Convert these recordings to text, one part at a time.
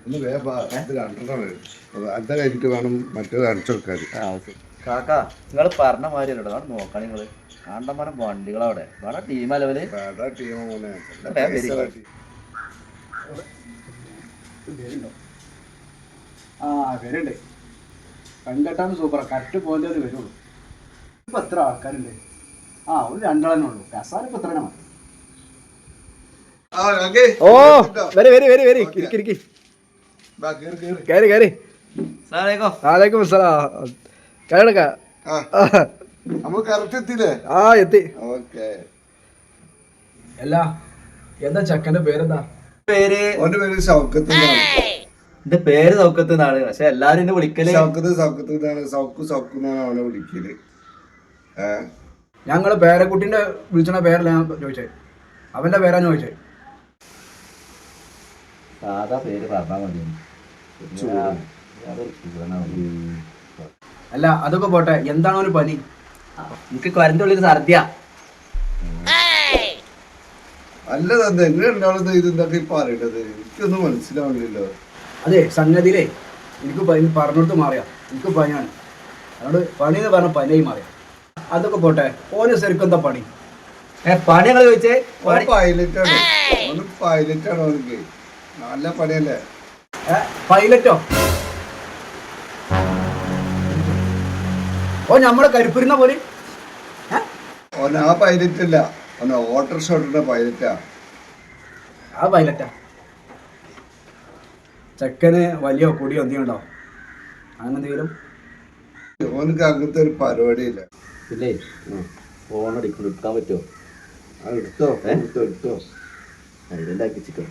ഒന്ന് ഇത് രണ്ടെണ്ണം വരും അത് കഴിഞ്ഞിട്ട് വേണം മറ്റേത് അടിച്ചു കൊടുക്കാൻ. കാക്ക നിങ്ങൾ പറഞ്ഞ മാതിരി അല്ലോ നോക്കണം നിങ്ങള് ആണ്ടമാനം വണ്ടികളവിടെ വേറെ ടീമാ ലെവല് വരുന്നുണ്ട്. പെൺകെട്ടാണ് സൂപ്പറാ. കറക്റ്റ് പോയിന്റ് വരുള്ളൂ. ഇപ്പൊ എത്ര ആൾക്കാരുണ്ട്? ഒരു രണ്ടെണ്ണേ ഉള്ളൂ. കസാല ഇപ്പൊ എത്ര മതി. ഓ വരി വരി വരി വരി ഇരിക്കി കയറി കയറി. വാലേക്കും അസ്സലാം. കയറക്ക. എത്തി. അല്ല എന്താ ചക്കന്റെ പേരെന്താ? പേര് ഷൗക്കത്ത്. എന്റെ പേര് സൗക്കത്ത് എന്നാണ്. പക്ഷെ എല്ലാരും എന്നെ വിളിക്കല് അവനെ വിളിക്കല്. ഞങ്ങള് പേരക്കുട്ടിന്റെ വിളിച്ചണ പേരല്ല ഞാൻ ചോദിച്ചേ. അവന്റെ പേരാ ചോദിച്ചേ. സാധാ പേര് പറഞ്ഞാൽ മതി. അല്ല അതൊക്കെ പോട്ടെ, എന്താണ് ഒരു പനി? എനിക്ക് കരന്റെ ഉള്ളിൽ ഛർദിയ. അല്ല തന്നെ എങ്ങനെയുണ്ടാവുന്നത്? ഇതെന്തൊക്കെ ഇപ്പൊ അറിയേണ്ടത് എനിക്കൊന്നും മനസ്സിലാവുന്നില്ലല്ലോ. അതെ സംഗതിയിലേ എനിക്ക് പറഞ്ഞിടത്ത് മാറിയാ എനിക്ക് പനിയാണ്. അതുകൊണ്ട് പനി എന്ന് പറഞ്ഞ പനിയായി മാറിയാ. അതൊക്കെ പോട്ടെ, ഓന് ശരിക്കും എന്താ പണി? പണി ഞങ്ങൾ ചോദിച്ചേ. പൈലറ്റാണ്. പൈലറ്റാണ് അവനക്ക്. നല്ല പണിയല്ലേ? പൈലറ്റോ? ഓ നമ്മളെ കരുപ്പുരുന്ന പോലെ. ഓന ആ പൈലറ്റ് അല്ല, ഓന ഓട്ടോറിക്ഷ ഓട്ടുന്ന പൈലറ്റാ. ആ പൈലറ്റാ. ചെക്കന് വലിയ കൊടിയോ എന്തെങ്കിലും ഉണ്ടോ? അങ്ങനെ എന്തെങ്കിലും? ഓനക്ക് അങ്ങനത്തെ ഒരു പരിപാടിയില്ല. പിന്നെ ഫോൺ അടിക്കണം, എടുക്കാൻ പറ്റുമോ? എടുത്തോ എടുത്തോ എടുത്തോ. അതിലുണ്ടാക്കി ചിക്കൻ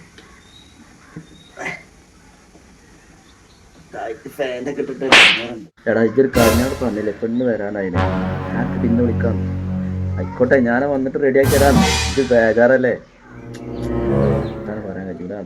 എടാ ഇതൊരു കാര്യം പറഞ്ഞില്ലേ, പെണ്ണ് വരാനായില്ലേ. ഞാൻ പിന്നെ വിളിക്കാം. ആയിക്കോട്ടെ ഞാൻ വന്നിട്ട് റെഡിയാക്കി തരാം. ഇത് ബേജാറല്ലേ? എന്താണ് പറയാൻ കഴിയൂല.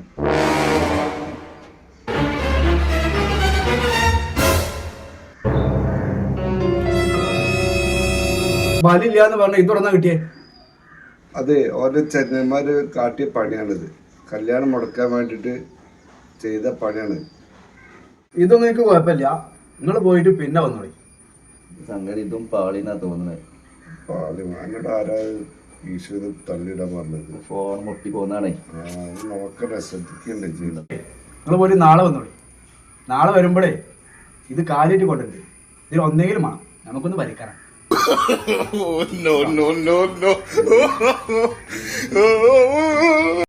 ബലില്ലാന്ന് പറഞ്ഞ ഇതൊടന്നാ കിട്ടിയേ? അതെ, ഓരോ ചെന്നൈമാര് കാട്ടിയ പണിയാണിത്. കല്യാണം മുടക്കാൻ വേണ്ടിട്ട് ചെയ്ത പണിയാണ്. ഇതൊന്നും എനിക്ക് കുഴപ്പമില്ല. നിങ്ങൾ പോയിട്ട് പിന്നെ വന്നോളി. സംഗതി ഇതും പാളിന്നാ തോന്നുന്നത്. പാളി എന്നോട് ആരാ ഈശ്വര തള്ളിയിടാൻ പറഞ്ഞത്? ഫോൺ മുട്ടി പോകുന്നതാണേ. നോക്കട്ടെ, ശ്രദ്ധിക്കണ്ടേ ചെയ്യണം. നിങ്ങൾ പോയിട്ട് നാളെ വന്നോളി. നാളെ വരുമ്പോഴേ ഇത് കാലിട്ട് കൊണ്ടുണ്ട്. ഇതിൽ ഒന്നെങ്കിലും വേണം നമുക്കൊന്ന് പരിക്കാറാം. No, no, no, no.